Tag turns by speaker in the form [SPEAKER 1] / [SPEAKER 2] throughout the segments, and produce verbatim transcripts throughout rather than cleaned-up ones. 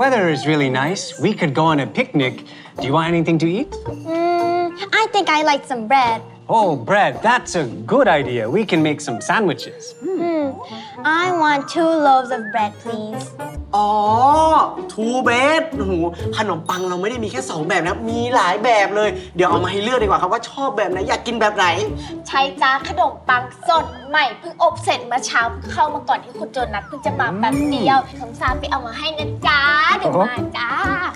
[SPEAKER 1] weather is really nice. We could go on a picnic. Do you want anything to eat?
[SPEAKER 2] Mm, I think I like some bread.
[SPEAKER 1] Oh, bread. That's a good idea. We can make some sandwiches.
[SPEAKER 2] Hmm. I want two loaves of bread, please.
[SPEAKER 3] อ๋อ two bread โอ้โหขนมปังเราไม่ได้มีแค่สองแบบนะ มีหลายแบบเลย เดี๋ยวเอามาให้เลือกดีกว่าครับว่าชอบแบบไหน อยากกินแบบไหน
[SPEAKER 4] ใช่จ้าขนมปังสดใหม่เพิ่งอบเสร็จเมื่อเช้าเข้ามาก่อนที่คุณโจนัสเพิ่งจะมาแป๊บเดียวคำซาไปเอามาให้นะจ้าเดี๋ยวมาจ้า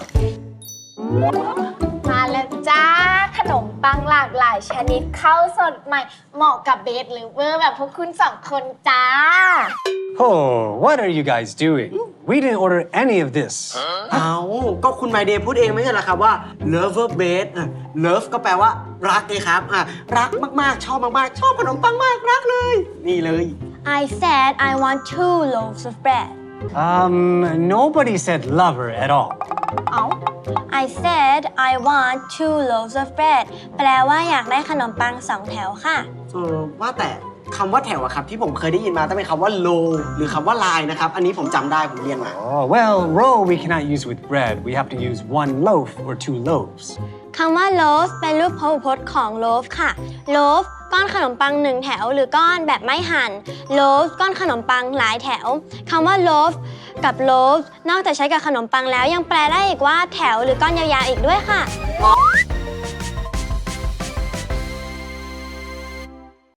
[SPEAKER 4] มาแล้วจ้าขนมปังหลากหลายชนิดข้าวสดใหม่เหมาะกับเบสหรือเวอร์แบบพวกคุณสองคนจ้า
[SPEAKER 1] Oh, what are you guys doing? We didn't order any of this.
[SPEAKER 3] เอาก็คุณไมเดย์พูดเองไม่ใช่เหรอครับว่า lover base อ่ะ love ก็แปลว่ารักไงครับอ่ะรักมากๆ ชอบมากๆ ชอบขนมปังมากรักเลย นี่เลย
[SPEAKER 2] I said I want two loaves of bread.
[SPEAKER 1] Um, nobody said lover at all.
[SPEAKER 2] เอ้า I said I want two loaves of bread แปลว่าอยากได้ขนมปังสองแถวค่ะ
[SPEAKER 3] เออว่าแต่คำว่าแถวอะครับที่ผมเคยได้ยินมาต้องเป็นคำว่า low หรือคำว่า line นะครับ อันนี้ผมจำได้ผมเรียนมา
[SPEAKER 1] Oh, well, roll we cannot use with bread. We have to use one loaf or two loaves.
[SPEAKER 2] คำว่า loaf เป็นรูปพหูพจน์ของ loaf ค่ะ loaf ก้อนขนมปังหนึ่งแถวหรือก้อนแบบไม่หั่น loaf ก้อนขนมปังหลายแถวคำว่า loaf กับ loaf นอกจากใช้กับขนมปังแล้วยังแปลได้อีกว่าแถวหรือก้อนยาวๆอีกด้วยค่ะ
[SPEAKER 3] อ๋อ